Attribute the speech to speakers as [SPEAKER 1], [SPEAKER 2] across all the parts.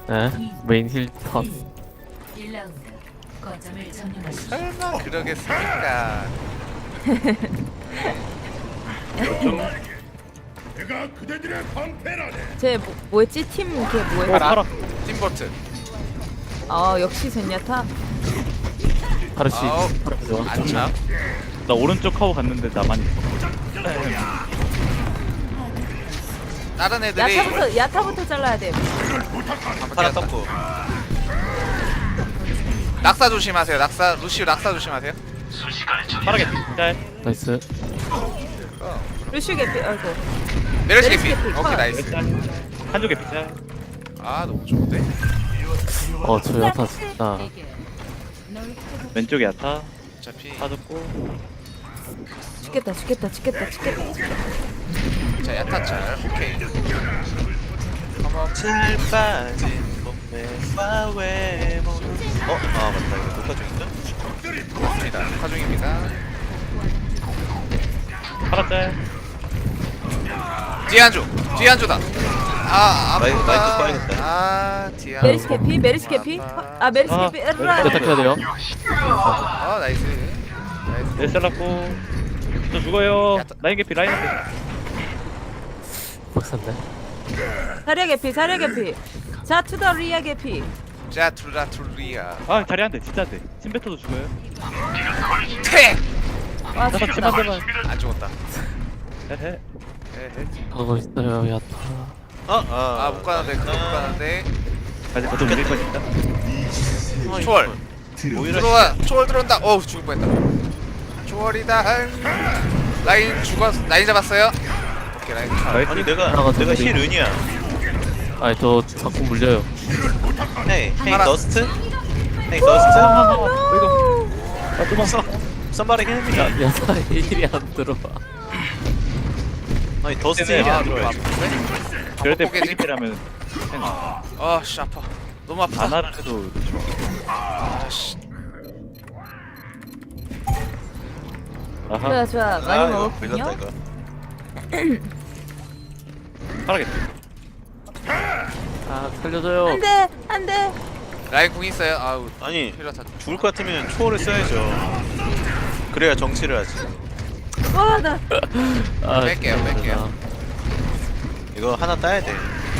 [SPEAKER 1] 에? 메인 힐 컷.
[SPEAKER 2] 1라운드 거점을 점령하십시오.
[SPEAKER 3] 설마 그러겠습니까?
[SPEAKER 4] 쟤 뭐였지? 팀 걔 뭐였지?
[SPEAKER 3] 파라 팀버트.
[SPEAKER 4] 역시 젠야타.
[SPEAKER 1] 파르시.
[SPEAKER 3] 아우.
[SPEAKER 1] 파르시 좋아.
[SPEAKER 3] 안참.
[SPEAKER 5] 나 오른쪽 하고 갔는데 나만 있어.
[SPEAKER 3] 다른 애들이
[SPEAKER 4] 야타부터 잘라야 돼.
[SPEAKER 3] 파라 떴고. 낙사 조심하세요. 낙사 루시우 낙사 조심하세요.
[SPEAKER 5] 빠르게 짤.
[SPEAKER 1] 나이스.
[SPEAKER 4] 루슈 개피. 아이고.
[SPEAKER 3] 메르시
[SPEAKER 4] 메르시
[SPEAKER 3] 개피.
[SPEAKER 4] 개피.
[SPEAKER 3] 오케이
[SPEAKER 4] 컷.
[SPEAKER 3] 나이스.
[SPEAKER 5] 짤. 한쪽에 빗짤.
[SPEAKER 3] 아 너무 좋은데.
[SPEAKER 1] 저 야타 진짜.
[SPEAKER 5] 왼쪽에 야타.
[SPEAKER 3] 어차피
[SPEAKER 5] 빠졌고.
[SPEAKER 4] 죽겠다.
[SPEAKER 3] 자 야타짤. 오케이. 컴온.
[SPEAKER 6] 잘 빠진 몸매 와왜 아 맞다 이거 녹화 중인가?
[SPEAKER 3] 맞습니다. 녹화 중입니다.
[SPEAKER 5] 파라 짤.
[SPEAKER 3] 뒤에 한조다. 아
[SPEAKER 6] 마이크
[SPEAKER 3] 아프다.
[SPEAKER 6] 꺼야겠다.
[SPEAKER 3] 아 뒤에
[SPEAKER 4] 메르시
[SPEAKER 3] 한조.
[SPEAKER 4] 개피. 메르시 개피. 메르시
[SPEAKER 5] 아,
[SPEAKER 4] 개피.
[SPEAKER 1] 야타 켜야 돼요.
[SPEAKER 3] 아 나이스. 나이스.
[SPEAKER 5] 네 잘랐고. 저 죽어요.
[SPEAKER 3] 야타.
[SPEAKER 5] 라인 개피 라인 개피.
[SPEAKER 1] 박산데.
[SPEAKER 4] 사려 개피. 자 투더 리아 개피.
[SPEAKER 3] 자 투라투리아.
[SPEAKER 5] 아 자리 안 돼. 진짜 안 돼. 침뱉어도 죽어요.
[SPEAKER 3] 퇴.
[SPEAKER 4] 와
[SPEAKER 5] 잠깐
[SPEAKER 4] 죽겠다.
[SPEAKER 5] 침한 대만.
[SPEAKER 3] 안 죽었다.
[SPEAKER 5] 헤헤.
[SPEAKER 3] 에헤.
[SPEAKER 1] 가고 있어요 야타.
[SPEAKER 3] 아못 가는데 못 가는데.
[SPEAKER 5] 아직 거점 밀 거니까.
[SPEAKER 3] 초월.
[SPEAKER 6] 오히려
[SPEAKER 3] 초월 들어온다. 어우 죽을 뻔했다. 초월이다. 라인 잡았어요. 오케이 라인 초월.
[SPEAKER 5] 나이스.
[SPEAKER 6] 아니
[SPEAKER 1] 하나가
[SPEAKER 6] 내가
[SPEAKER 1] 더
[SPEAKER 6] 힐 은이야.
[SPEAKER 1] 아니 저 자꾸 물려요.
[SPEAKER 6] 헤이
[SPEAKER 3] 하나.
[SPEAKER 6] 더스트 헤이 더스트
[SPEAKER 5] 이거. 아 도망.
[SPEAKER 6] 썸바리 힐입니다.
[SPEAKER 1] 야타 힐이 안 들어와.
[SPEAKER 6] 아니 더스트
[SPEAKER 5] 네,
[SPEAKER 6] 힐이
[SPEAKER 3] 아
[SPEAKER 6] 안
[SPEAKER 3] 너무
[SPEAKER 6] 들어요.
[SPEAKER 3] 아픈데?
[SPEAKER 5] 그럴 때
[SPEAKER 3] 뽀개지?
[SPEAKER 5] 삐삐라면
[SPEAKER 3] 아씨 아파. 너무 아프다.
[SPEAKER 5] 안하를 해도
[SPEAKER 3] 아씨.
[SPEAKER 5] 아하.
[SPEAKER 4] 좋아. 많이
[SPEAKER 6] 이거
[SPEAKER 4] 먹었군요.
[SPEAKER 6] 밀렸다 이거.
[SPEAKER 5] 빠르게.
[SPEAKER 1] 아 살려줘요.
[SPEAKER 4] 안돼.
[SPEAKER 3] 라인 궁 있어요. 아우
[SPEAKER 6] 아니
[SPEAKER 3] 필요 다.
[SPEAKER 6] 죽을 것 같으면 초월을 써야죠. 그래야 정치를 하지.
[SPEAKER 4] 와나
[SPEAKER 1] 아,
[SPEAKER 3] 뺄게요,
[SPEAKER 1] 진짜.
[SPEAKER 3] 뺄게요.
[SPEAKER 6] 이거 하나 따야 돼.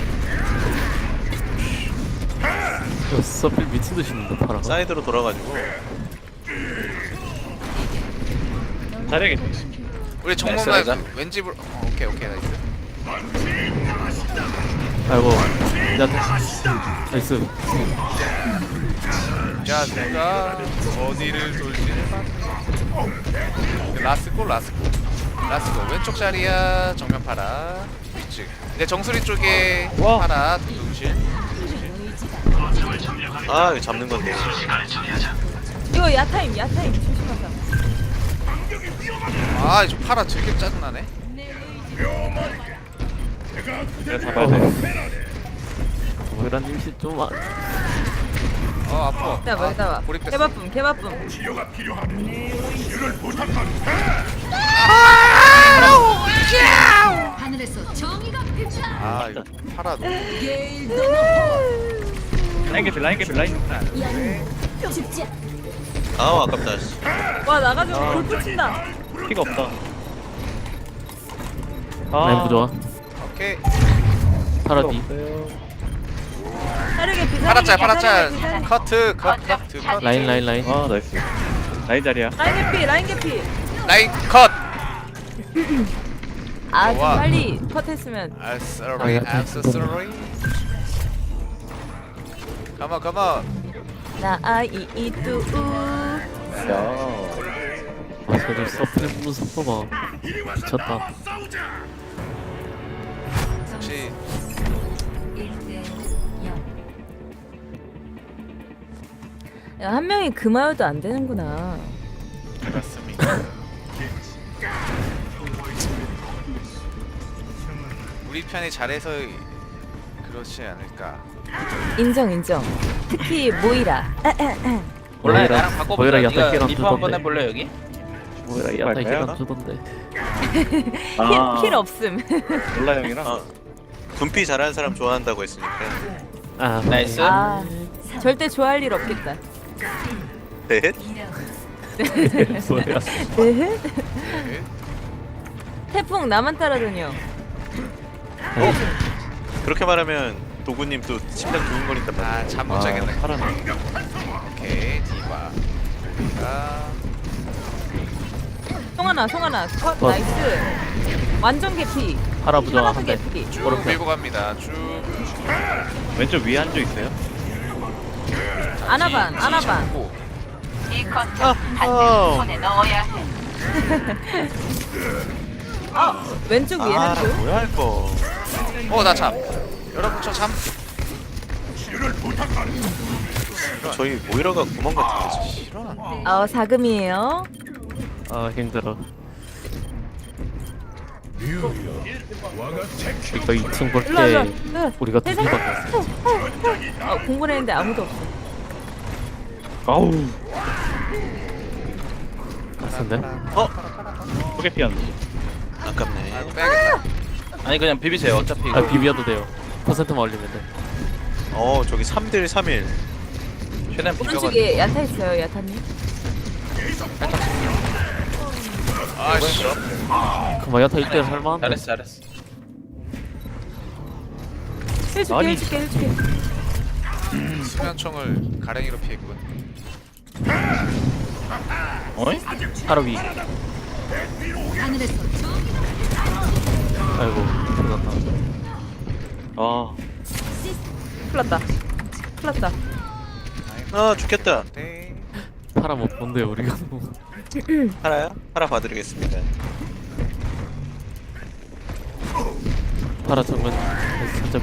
[SPEAKER 1] 이거 서필 미친 듯이 있는데 파라가.
[SPEAKER 6] 사이드로 돌아가지고
[SPEAKER 5] 자리에 개피.
[SPEAKER 3] 우리
[SPEAKER 6] 나이스,
[SPEAKER 3] 정문만
[SPEAKER 6] 나이스.
[SPEAKER 3] 왠지 오케이 나이스.
[SPEAKER 1] 아이고 야타. 나이스.
[SPEAKER 3] 자 내가 어디를 돌지는 라스코 왼쪽 자리야. 정면 파라. 위쪽. 내 정수리 쪽에
[SPEAKER 5] 와.
[SPEAKER 3] 파라. 동실.
[SPEAKER 6] 아 이거 잡는 건데.
[SPEAKER 4] 이거 야타임 조심하자.
[SPEAKER 3] 아저 파라 되게 짜증나네.
[SPEAKER 5] 내가 잡아야 돼.
[SPEAKER 1] 모이란 임시 좀
[SPEAKER 3] 아파.
[SPEAKER 4] 기다봐.
[SPEAKER 3] 고립됐어.
[SPEAKER 4] 개바쁨.
[SPEAKER 2] 하늘에서 정의가 펼쳐.
[SPEAKER 3] 아 이거 파라 너무.
[SPEAKER 5] 라인 개피 라인 개피 라인.
[SPEAKER 2] 죽지.
[SPEAKER 6] 아 아깝다. 씨.
[SPEAKER 4] 와 나가지고 골프 친다.
[SPEAKER 5] 피가 없다.
[SPEAKER 1] 라인 부좋아.
[SPEAKER 3] 오케이.
[SPEAKER 1] 파라 D.
[SPEAKER 4] 사려 개피.
[SPEAKER 3] 파라짤. 커트. 컷.
[SPEAKER 1] 라인.
[SPEAKER 5] 아 나이스. 라인 자리야.
[SPEAKER 4] 라인 개피.
[SPEAKER 3] 라인 컷.
[SPEAKER 4] 좀
[SPEAKER 3] 좋아.
[SPEAKER 4] 빨리 컷했으면.
[SPEAKER 3] I'm sorry. I'm so sorry. Come on.
[SPEAKER 4] 나 아이이뚜.
[SPEAKER 5] 야.
[SPEAKER 1] 아 쟤들 서필 부는 속도 봐. 미쳤다.
[SPEAKER 3] 혹시
[SPEAKER 2] 1대 0.
[SPEAKER 4] 한 명이 그마여도 안 되는구나.
[SPEAKER 3] 그렇습니다. 우리 편이 잘해서 그렇지 않을까.
[SPEAKER 4] 인정. 특히 모이라.
[SPEAKER 7] 몰라요.
[SPEAKER 1] 모이라-
[SPEAKER 7] 나랑 바꿔보자.
[SPEAKER 1] 모이라 야타
[SPEAKER 7] 네가
[SPEAKER 1] 힐안
[SPEAKER 7] 리퍼 한번
[SPEAKER 1] 주던데.
[SPEAKER 7] 해볼래 여기?
[SPEAKER 1] 모이라 야타
[SPEAKER 5] 갈까요?
[SPEAKER 1] 힐안 주던데.
[SPEAKER 5] 아.
[SPEAKER 4] 힐 없음.
[SPEAKER 5] 몰라 형이랑.
[SPEAKER 6] 아 분피 잘하는 사람 좋아한다고 했으니까.
[SPEAKER 1] 아
[SPEAKER 6] 나이스.
[SPEAKER 4] 아 절대 좋아할 일 없겠다.
[SPEAKER 6] 넷.
[SPEAKER 1] 뭐야?
[SPEAKER 4] 네?
[SPEAKER 3] 네.
[SPEAKER 4] 태풍 나만 따라다녀.
[SPEAKER 6] 그렇게 말하면 도구님 또 심장 두근거린단 말이야.
[SPEAKER 3] 아잠 못 자겠네.
[SPEAKER 5] 파란.
[SPEAKER 3] 오케이 디바. 아,
[SPEAKER 4] 송하나 컷 나이스. 완전 개피.
[SPEAKER 1] 파라 부정
[SPEAKER 4] 하나도
[SPEAKER 1] 한대.
[SPEAKER 4] 개피.
[SPEAKER 3] 쭉
[SPEAKER 1] 오른편.
[SPEAKER 3] 밀고 갑니다. 쭉.
[SPEAKER 5] 왼쪽 위에 한 조 있어요?
[SPEAKER 4] 아나반.
[SPEAKER 3] 잡고.
[SPEAKER 4] 왼쪽 위에 한 줄.
[SPEAKER 6] 뭐야 할 거.
[SPEAKER 3] 나 잠. 여러분 저 잠.
[SPEAKER 6] 저희 모이라가 구멍 같은 거지.
[SPEAKER 3] 싫어.
[SPEAKER 4] 사금이에요.
[SPEAKER 1] 아 힘들어. 이거 2층 볼
[SPEAKER 4] 일로 와.
[SPEAKER 1] 때 우리가 두 개밖에 없어.
[SPEAKER 4] 공부를 했는데 아무도 없어.
[SPEAKER 5] 아우.
[SPEAKER 1] 같은데?
[SPEAKER 5] 소개 피한.
[SPEAKER 6] 아깝네.
[SPEAKER 3] 아이고 빼야겠다.
[SPEAKER 7] 아니 그냥 비비세요. 어차피
[SPEAKER 1] 아 비벼도 돼요. 퍼센트만 올리면 돼.
[SPEAKER 6] 저기 3대1 3일.
[SPEAKER 7] 최대한 비벼가.
[SPEAKER 4] 오른쪽에 야타 있어요, 야타님.
[SPEAKER 3] 아씨.
[SPEAKER 1] 그만 야타 1대1 할만한데.
[SPEAKER 7] 잘했어 잘했어.
[SPEAKER 5] 아니.
[SPEAKER 4] 해줄게.
[SPEAKER 3] 수면총을 가랭이로 피했군.
[SPEAKER 7] 어이?
[SPEAKER 1] 파라 위.
[SPEAKER 2] 하늘에서 정의가
[SPEAKER 1] 아이고 죽었다.
[SPEAKER 5] 아.
[SPEAKER 4] 큰일 났다.
[SPEAKER 6] 아 죽겠다.
[SPEAKER 3] 네.
[SPEAKER 1] 파라 못 본데 우리가 너무.
[SPEAKER 6] 하나요? 하나 봐드리겠습니다.
[SPEAKER 1] 파라 정면 살짝.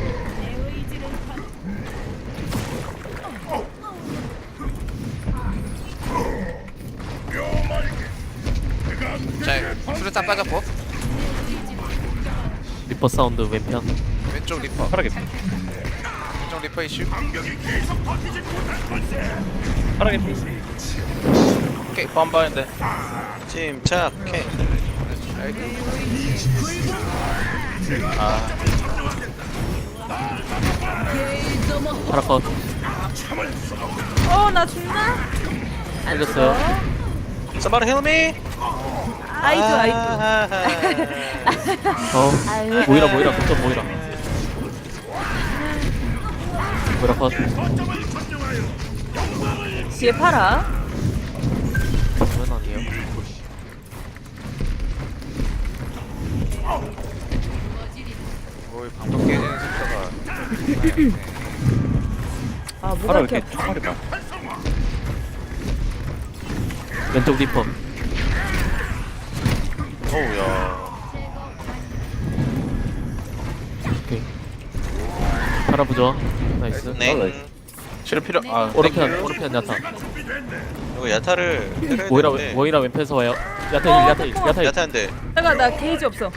[SPEAKER 3] 자 수류탄 빠졌고
[SPEAKER 1] 리퍼 사운드 왼편.
[SPEAKER 3] 왼쪽 리퍼.
[SPEAKER 5] 파랗게.
[SPEAKER 3] 왼쪽 리퍼 이슈.
[SPEAKER 5] 파랗게.
[SPEAKER 3] 오케이.
[SPEAKER 7] 한 방인데.
[SPEAKER 6] 침착해.
[SPEAKER 1] 파라 컷.
[SPEAKER 4] 나 죽나?
[SPEAKER 1] 살렸어요.
[SPEAKER 6] Somebody help me.
[SPEAKER 4] 아이도. 아유.
[SPEAKER 1] 모이라 그쪽 모이라. 모이라 컷.
[SPEAKER 4] 뒤에 팔아.
[SPEAKER 1] 정면 아니에요?
[SPEAKER 3] 오이 방금 깨지는 속도가.
[SPEAKER 4] 뭐가
[SPEAKER 5] 파라
[SPEAKER 4] 이렇게
[SPEAKER 5] 이렇게 총알이 봐.
[SPEAKER 1] 왼쪽 리퍼.
[SPEAKER 6] 어우야.
[SPEAKER 1] 오케이. 파라 부정. 나이스.
[SPEAKER 6] 네.
[SPEAKER 7] 치료 필요.
[SPEAKER 1] 오른편 야타.
[SPEAKER 6] 이거 야타를 때려야
[SPEAKER 1] 모이라
[SPEAKER 6] 되는데.
[SPEAKER 1] 모이라 왼편에서 와요. 야타 1
[SPEAKER 6] 야타인데.
[SPEAKER 4] 잠깐 나 게이지 없어.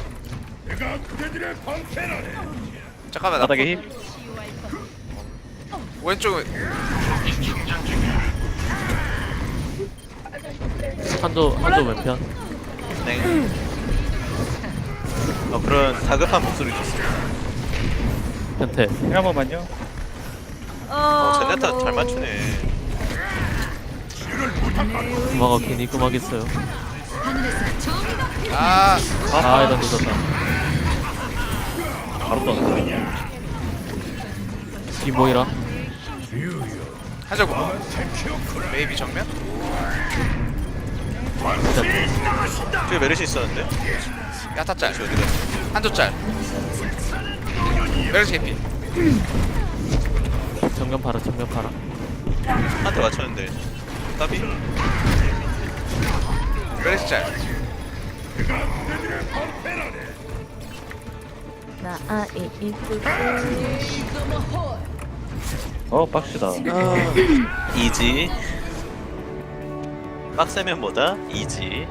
[SPEAKER 3] 잠깐만 나
[SPEAKER 5] 바닥에 힘.
[SPEAKER 3] 왼쪽
[SPEAKER 1] 한조 왼편.
[SPEAKER 6] 네. 그런 다급한 목소리 줬어요.
[SPEAKER 1] 변태.
[SPEAKER 5] 한 번만요.
[SPEAKER 6] 젠야타 잘 맞추네.
[SPEAKER 1] 구마가 괜히 구마겠어요.
[SPEAKER 2] 하늘에서 정의가
[SPEAKER 3] 아
[SPEAKER 1] 이런 늦었다.
[SPEAKER 5] 바로 떠났어.
[SPEAKER 1] 이 모이라.
[SPEAKER 3] 하자고. 메이비 정면.
[SPEAKER 6] 저기 메르시 있었는데.
[SPEAKER 3] 야타 짤.
[SPEAKER 6] 어디 갔어?
[SPEAKER 3] 한조 짤. 메르시 해피.
[SPEAKER 1] 정면 파라.
[SPEAKER 6] 한테 맞췄는데. 따비?
[SPEAKER 3] 메르시 짤.
[SPEAKER 4] 나 아이 이쁘고.
[SPEAKER 5] 빡시다.
[SPEAKER 6] 이지. 빡세면 뭐다? 이지.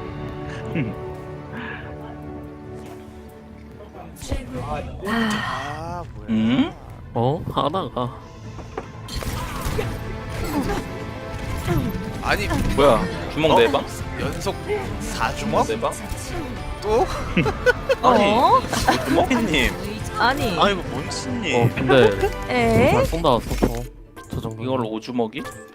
[SPEAKER 3] 아 뭐야.
[SPEAKER 7] 음?
[SPEAKER 1] 하나가.
[SPEAKER 3] 아니
[SPEAKER 7] 뭐야? 주먹 네 방?
[SPEAKER 3] 연속 4주먹?
[SPEAKER 7] 네 방?
[SPEAKER 3] 또?
[SPEAKER 6] 아니. 주먹이님.
[SPEAKER 4] 아니.
[SPEAKER 6] 아이고 몬스님.
[SPEAKER 1] 근데
[SPEAKER 4] 에?
[SPEAKER 1] 잘 쏜다 서퍼 저 정도
[SPEAKER 7] 이걸로 오주먹이?